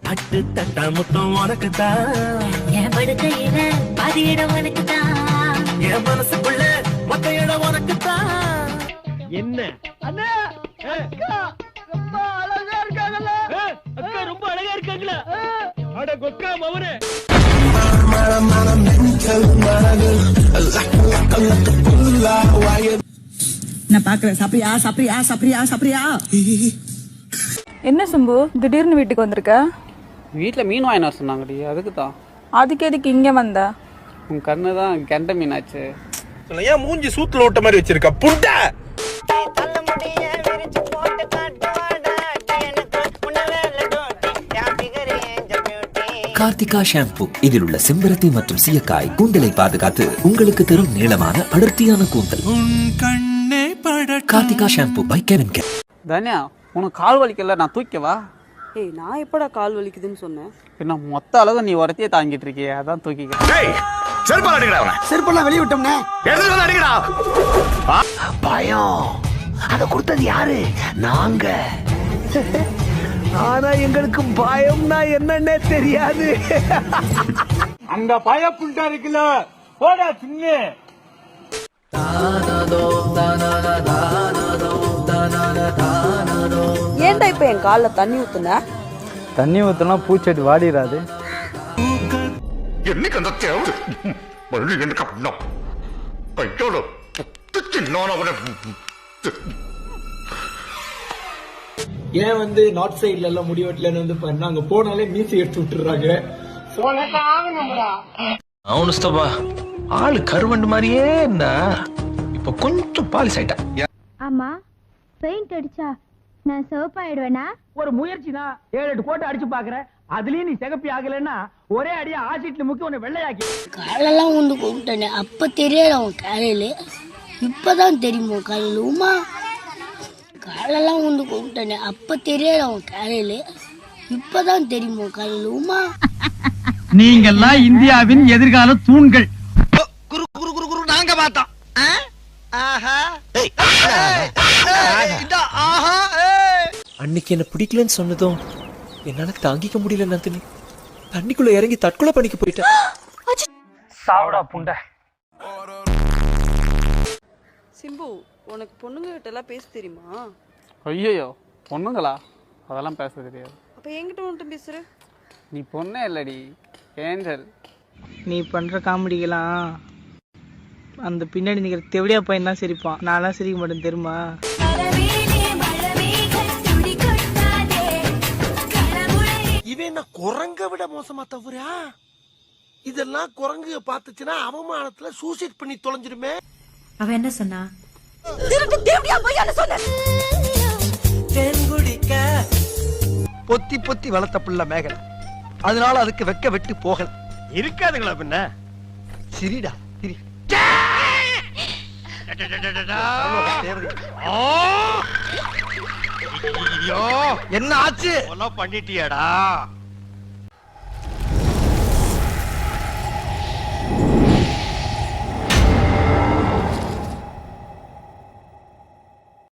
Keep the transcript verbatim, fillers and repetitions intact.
தட்டு தட்டா முத்தம் உனக்குதான், என் படுக்கையில பாதி இடம் உனக்குதான், என் மனசுக்குள்ள மொத்த இடம் உனக்குதான். என்ன அண்ணா அக்கா ரொம்ப அழகா இருக்காங்கல்ல, அக்கா ரொம்ப அழகா இருக்காங்களா, அட கொக்கா மவனே. நான் பாக்குறேன். சாப்பிரியா சாப்பிரியா சாப்பிரியா சாப்பிரியா? என்ன சம்பு திடீர்னு வீட்டுக்கு வந்திருக்க? வீட்டில் மீன் வாங்கினா சொன்னாங்கடி, அதுக்கு தான். அதுக்கு எதுக்கு இங்கே வந்த? உன் கண்ணு தான் கெண்ட மீனாச்சு. ஏன் மூஞ்சி சூத்துல ஓட்ட மாதிரி வச்சிருக்க புண்டை? கார்த்திகா ஷாம்பு. இதில் உள்ள செம்பருத்தி மற்றும் சீயக்காய் கூந்தலை பாதுகாத்து உங்களுக்கு தரும் நீளமான அடர்த்தியான கூந்தல். Karthika shampoo by CavinKare. Dhanya, உனக்கு கால் வலிக்கல, நான் தூக்கவா? ஏய், நான் எப்படா கால் வலிக்குதுன்னு சொன்னேன்? என்ன மொத்த அளவு நீ உரத்தையே தாங்கிட்டு இருக்கிய, அதான் தூக்கிக்க. செருப்பால் அடிக்கடா அவனை. செருப்பெல்லாம் வெளிய விட்டோம்னே. எடுத்து வந்து அடிக்கடா. பயம் அத கொடுத்தது யாரு? நாங்க. ஆனா எங்களுக்கு பயம்னா என்னன்னே தெரியாது. அந்த பய புண்டா இருக்குல்ல, போடா சின்ன. ஏன்டா இப்ப என் கால்ல தண்ணி ஊத்துன? தண்ணி ஊற்றினா பூச்செடி வாடிடாது. என்னைக்கு அந்த தேவை மறுபடி எனக்கு அப்படின்னா கையோட சின்ன ஏன் வந்து நார்த் சைட்ல எல்லாம் முடி வெட்டலன்னு வந்து பண்ணா, அங்க போனாலே மீசி எடுத்து விட்டுறாங்க. அவனுஸ்தபா ஆளு கருவண்டு மாதிரியே இருந்தா இப்ப கொஞ்சம் பாலிஸ் ஆயிட்டா. ஆமா, பெயிண்ட் அடிச்சா நான் சிவப்பாயிடுவேனா? ஒரு முயற்சி தான், ஏழு எட்டு கோட்டை அடிச்சு பாக்குறேன், அதுலயும் நீ சிகப்பி ஆகலன்னா ஒரே அடியா ஆசிட்ல முக்கி உன்னை வெள்ளையாக்கி. காலெல்லாம் உண்டு கூப்பிட்டேனே, அப்ப தெரியல உன் காலையில, இப்பதான் தெரியுமோ காலையில. உமா, காலெல்லாம் உண்டு கூப்பிட்டேனே, அப்ப தெரியல உன் காலையில, இப்பதான் தெரியுமோ காலையில. உமா, நீங்கெல்லாம் இந்தியாவின் எதிர்கால தூண்கள். குரு குரு குரு குரு நாங்க பார்த்தோம். அன்னைக்கு என்ன பிடிக்கலன்னு சொன்னதும் என்னால தாங்கிக்க முடியல நந்தினி. தண்ணிக்குள்ள இறங்கி தற்கொலை பண்ணிக்க போயிட்டேன். சாவடா புண்டை. சிம்பு, உனக்கு பொண்ணுங்க கிட்ட எல்லாம் பேச தெரியுமா? ஐயோ, பொண்ணுங்களா? அதெல்லாம் பேச தெரியாது. அப்ப என்கிட்ட வந்துட்டு பேசுற? நீ பொண்ணே இல்லடி, ஏஞ்சல். நீ பண்ற காமெடிக்கெல்லாம் அந்த பின்னாடி நிக்கிற தெவடியா பையன் தான் சிரிப்பான். நான்லாம் சிரிக்க மாட்டேன் தெரியுமா? இவன் என்ன குரங்க விட மோசமா தவறா? இதெல்லாம் குரங்கு பாத்துச்சுன்னா அவமானத்துல சூசைட் பண்ணி தொலைஞ்சிருமே. அவ என்ன சொன்னா? தென்குடிக்க பொத்தி பொத்தி வளர்த்த பிள்ளை மேகல, அதனால அதுக்கு வெக்க வெட்டு போகல. இருக்காதுங்களா பின்ன? சிரிடா சிரி. என்ன ஆச்சு? பண்ணிட்டியாடா?